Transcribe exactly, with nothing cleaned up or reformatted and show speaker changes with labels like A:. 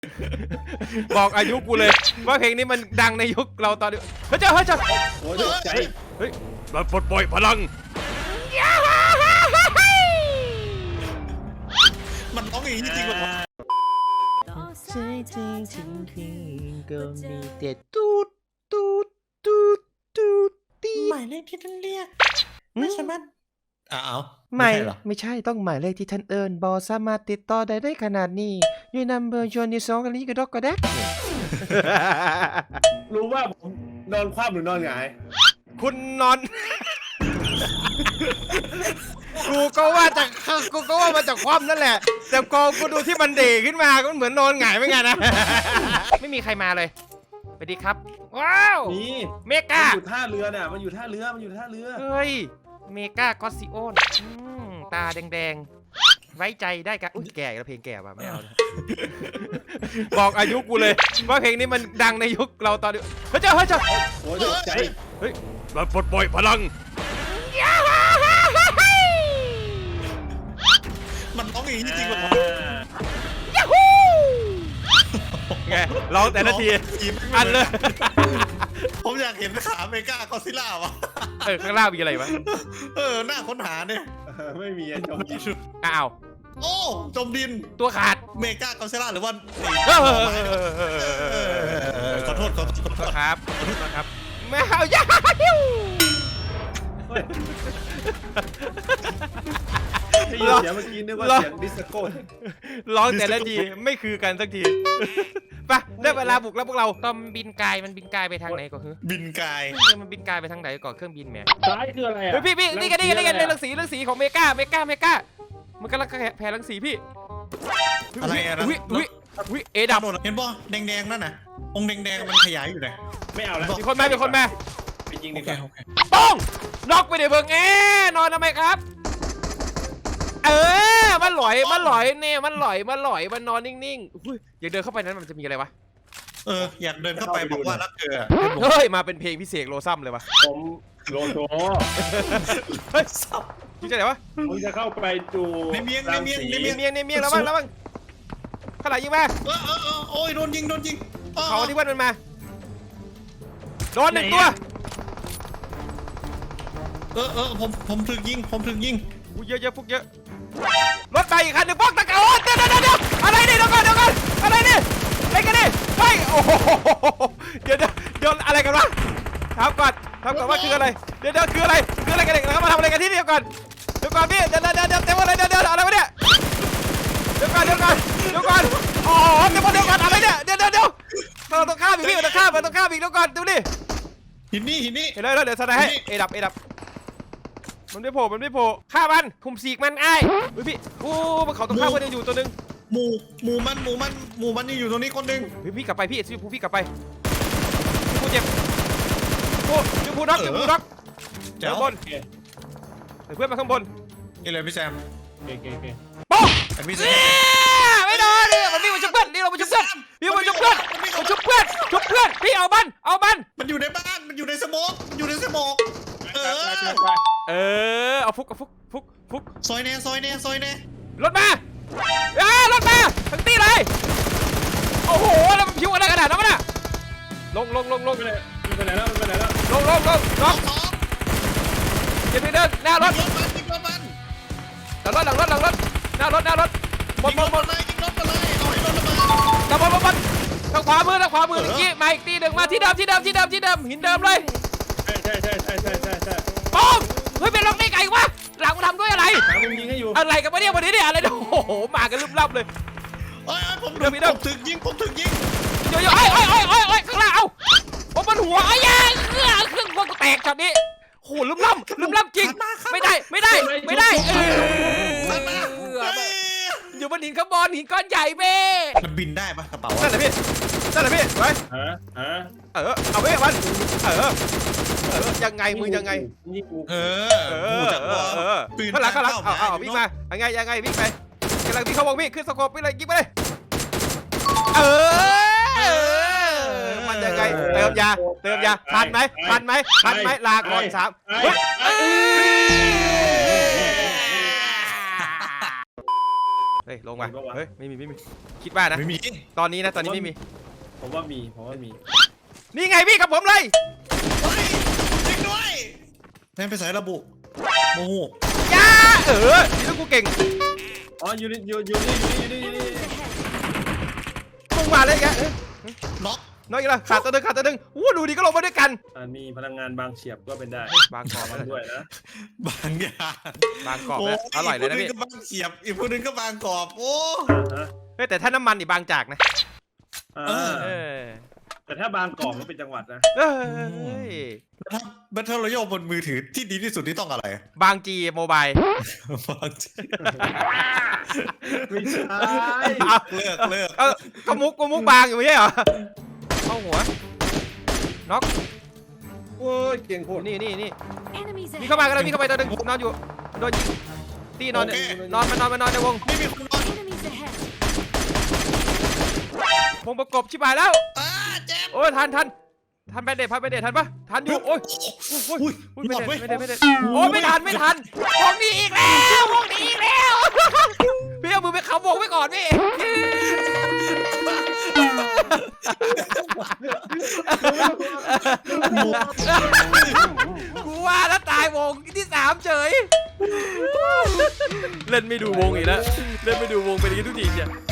A: บอกอายุกูเลยว่าเพลงนี้มันดังในยุคเราตอนนี้เฮ้ยเจ้าเฮ้ยเจ้า
B: โอ้ยใจ
A: เฮ้ยมาปลดปล่อยพลัง
B: มันร้องอย่างนี้จริงๆวะ
A: ใช่จริงจริงจริงก็มีแต่ตูดตูดตูดตูดตี
B: หมายเลขที่ท่านเรียกไม่สามารถอ้าว
A: ไม่ไม่ใช่ต้องหมายเลขที่ท่านเอิญบอสามารถติดต่อได้ได้ขนาดนี้ยูนัมเบอร์ชวนที่สองกันนี้ก็ดอกก็แดก
C: รู้ว่าผมนอนคว่ำหรือนอนหงาย
A: คุณนอน กูก็ว่าจากกูก็ว่ามาจากความนั่นแหละแต่กองกูดูที่มันเดขึ้นมาก็เหมือนนอนหงายเหมือนกันนะ ไม่มีใครมาเลยสวัสดีครับว้าว
C: นี่
A: เมกา
C: มันอยู่ท่าเรือเนี่ยมันอยู่ท่าเรือมันอยู่ท่าเรือ
A: เฮ้ยเมกากอสซิโอนตาแดงๆไว้ใจได้กันอุ้ยแก่แล้วเพลงแก่ป่ะไม่เอา บอกอายุกูเลยว่าเพลงนี้มันดังในยุคเราตอนนี้เฮ้ยเจ้าเฮ้ยเจ้า
C: โอ้ยใจ
A: เฮ้ยมาปลดปล่อยพลัง
B: มันร้องอย่างนี้จริงๆวะ
A: ยูฮูไงร้องแต่ละทีอันเลย
B: ผมอยากเห็นขาเมกาก็ซิล่าวะ
A: เออข้างล่างมีอะไรวะ
B: เออหน้าค้นหาเนี่ย
C: ไม่มีจมดิน
A: อ้าว
B: โอ้จมดิน
A: ตัวขาด
B: เมกาก็ซิล่าหรือว่าขอโทษขอโทษ
A: ครับขอโทษครับแมวยาฮิว
C: ได้ยินเสียงเมื่อกี้นึกว่าเสียงดิสโก้
A: ร้องแต่ละทีไม่คือกันสักทีไปได้เวลาบุกแล้วพวกเราตอมบินกายมันบินกายไปทางไหนก่อนคือ
B: บินกาย
A: มันบินกายไปทางไหนก่อนเครื่องบินแม่
C: ซ้ายคืออะไรอ่ะ
A: พี่พี่นี่กันนี่กันนี่กันเรื่องสีเรื่องสีของเมกาเมกาเมกามันกำลังแผ่รังสีพี่
B: อะไรอะ
A: วิวิวิเอดับ
B: เห็นป่ะแดงๆนั่นน่ะองค์แดงๆมันขยายอยู่ไหน
C: ไม่เอาแล้ว
A: มีคนมามีคนมา
C: ไปยิงดีกว่า
A: ป้องน็อกไปเดี๋ยวเบิ่งเอ๊นอนทำไมครับเออมันหลอยมันหลอยเนี่ยมันหลอยมันหลอยมันนอนนิ่งๆอยากเดินเข้าไปนั้นมันจะมีอะไรวะ
B: เอออยากเดินเข้าไปบอกว่ารักเธอ
A: เฮ้ยมาเป็นเพลงพิเศษโลซัมเลยวะ
C: ผมโลโซ
A: เฮ้ยจริงใจไหนวะ
C: ผมจะเข้าไปจู
B: ในเมียงในเมียงในเมียง
A: เมียงในเมียงแล้วบ้างแล้วบ้างขนาดยิงมา
B: เออเออโอ้ยโดนยิงโดนยิง
A: เขาที่วันมันมาโดนหนึ่งตัว
B: เออเออผมผมถึงยิงผมถึงยิง
A: เยอะเยอะพวกเยอะรถไปอีกคันหนึ่งพวกตะเกาเดี๋ยวเดี๋ยวเดี๋ยวอะไรนี่เดี๋ยวก่อนเดี๋ยวก่อนอะไรนี่อะไรกันนี่เฮ้ยโอ้โหเดี๋ยวเดี๋ยวเดี๋ยวอะไรกันวะถามก่อนถามก่อนว่าคืออะไรเดี๋ยวเดี๋ยวคืออะไรคืออะไรกันเด็กเรามาทำอะไรกันที่นี่เดี๋ยวก่อนเดี๋ยวก่อนพี่เดี๋ยวเดี๋ยวเดี๋ยวเต็มอะไรเดี๋ยวเดี๋ยวอะไรวะเนี่ยเดี๋ยวก่อนเดี๋ยวก่อนเดี๋ยวก่อนอ๋อเดี๋ยวก่อนเดี๋ยวก่อนอะไรเนี่ยเดี๋ยวเดี๋ยวเดี๋ยวเราต้องข้ามอีกพี่เราต้องข้ามเราต้องข้ามอีกเดี๋ยวก่อนดูดิ
B: หินนี่หินนี่
A: เห็นแล้วเดี๋ยวสไนให้เอดับเอดับมันไม่โผล่มันไม่โผล่ฆ่ามันคุมสีกมันไอ้เฮ้ยพี่โอ้มันเขาต้องฆ่าคนยังอยู่ตัวนึง
B: หมูหมูมันหมูมันหมูมันยังอยู่ตรงนี้คนนึง
A: เฮ้ยพี่กลับไปพี่ชื่อผู้พี่กลับไปผู้เจ็บผู้ชื่อผู้น็อกชื่อผู้น็อกเจ้าบนเพื่อนมาข้างบน
B: นี่เลยพี่แซม
C: เก่งเก่งเก่ง
A: ป๊อก
B: พี่แซม
A: ไม่โดนนี่มันวิ่งมาชุบเพื่อนนี่เรามาชุบเพื่อนพี่มาชุบเพื่อนมาชุบเพื่อนชุบเพื่อนพี่เอามันเอามัน
B: มันอยู่ในบ้านมันอยู่ในสโมกอยู่ในสโมกเออ
A: เออเอาฟุกเอาฟุกฟุกฟุก
B: ซอยเน่ซอยเน่ซอยเน่
A: รถมาอ่ารถมาทั้งตีเลยโอ้โหแล้วมันพิวอะไรขนาดนั้นน่ะลงลงลงลง
C: ไปไหนไปไหนแล้วไปไหนแล้ว
A: ลงลงลงลงอย่าไปเดินหน้ารถ
B: ยิงรถมันยิงรถมัน
A: หลังรถหลังรถหลังรถหน้ารถหน้ารถ
B: บนบนบนเลยยิงรถมาเลยเอาให้รถระเบิด
A: ตะบนบนบนทางขวามือทางขวามือเมื่อกี้มาอีกตีหนึ่งมาที่เดิมที่เดิมที่เดิมที่เดิมหินเดิมเลย
C: ใช่ใช่ใช่ใช่ใช่ใช่ใช่
A: โอ้เฮ้ยเป็นล็อกได้ไงวะหลังมันทำด้วยอะไร
C: หามุมยิงให้อยู่
A: อะไรกันวะเนี่ยวันนี้เนี่ยอะไรโอ้โหมากันลึบลับเลย
B: เอ้ยผมถึงผมถึงยิงผมถึงยิง
A: เดี๋ยวเดี๋ยวไอ้ไอ้ไอ้ไอ้ไอ้ข้างล่างเอาผมบนหัวไอ้ยังเครื่องเครื่องพวกแตกช็อตนี้โหลึบลับลึบลับจริงไม่ได้ไม่ได้ไม่ได้เอออยู่บนหินข้างบนหินก้อนใหญ่เบ้
B: มันบินได้ปะกระเป๋า
A: นั่นแหละพี่นั่นแหละพี่ไป
C: เออเออ
A: เออเอาเว้ยมันเออเออยังไงมึงยังไง
B: เออเออเออ
A: ข้างหลังข้างหลังเอาเอาวิ่งมายังไงยังไงวิ่งไปกำลังวิ่งเข้าวงวิ่งขึ้นสโคปวิ่งเลยยิงไปเลยเออมันยังไงเติมยาเติมยาทันไหมทันไหมทันไหมลาก่อนสามเฮ้ยลงมาเฮ้ยไม่มีไม่มีคิดว่านะ
B: ไม่มี
A: ตอนนี้นะตอนนี้ไม่มี
C: ผมว่ามีผมว่ามี
A: นี่ไงพี่กับผมเลย
B: เฮ้ยจริงด้วยแม่งไปใส่ระบุโมโห
A: ยาเออนี่ลูกกูเก่ง
C: อ๋ออยู่นี่อยู่อยู่นี่อยู่นี่อยู่นี่
A: มึงมาเลยแกเอ้ย
B: น็อก
A: น้อยอีกแล้วขาดตัวหนึงขาดตัวหนึงอู้ดูดีก็ลงมาด้วยกัน
C: อ่ามีพลังงานบางเฉียบก็เป็นได้
A: บางกอก
C: มัน
A: แล้ว
C: ด้วยนะ
B: บางอย่าง
A: บางกอกแล้วอร่อยเลยนะ
B: อี
A: พี่
B: กคนนึงก็บางเฉียบอีกคนนึงก็บางกรอบโอ้
C: ฮะ
A: เฮ้ยแต่ถ้าน้ำมันนี่บางจากนะ
C: อ่า
A: เออ
C: แต่ถ้าบางกอกก็เป็นจังหวัดนะ
A: เอ้ย
B: ถ้าบัตเทิลรอยัลบนมือถือที่ดีที่สุดที่ต้องอะไร
A: บางจีโมบาย
B: บางที
C: ไม่ใช่
A: เอา
B: เลิกเลิก
A: เอาก็มุกก็มุกบางอยู่ไม่ใช่เหรอเข้าหัวน็อก
C: โอ้ยเก่งโคตร
A: นี่นี่นี่
D: Enemies
A: มี
D: ahead.
A: เข้ามากันเลยมีเข้ามาตัวหนึงนอนอยู่โดนยิงตีนอนเนี่ยนอนมานอนมานอนในวง
B: ไม่มีคนนอน
D: Enemies ahead.
A: วงประกบชิบหายแล้ว
B: อ้าเจ็บ
A: โอ้ยทันทันทันแบนเดททันแบนเดททันปะทันอยู่โอ้ยโอ้ย
B: อุ้ย
A: โอ้ย
B: หล
A: ไม่
B: อด
A: ได้
B: เว้ย
A: ไม่ได้ไม่ได้โอ้ยไม่ทันไม่ทันวงนี้อีกแล้ววงนี้อีกแล้วพี่เอามือไปขับวงไว้ก่อนพี่กูว่าแล้วตายวงที่สามเฉยเล่นไม่ดูวงอีกแล้วเล่นไม่ดูวงเป็นอย่างนี้ทุกทีเนี่ย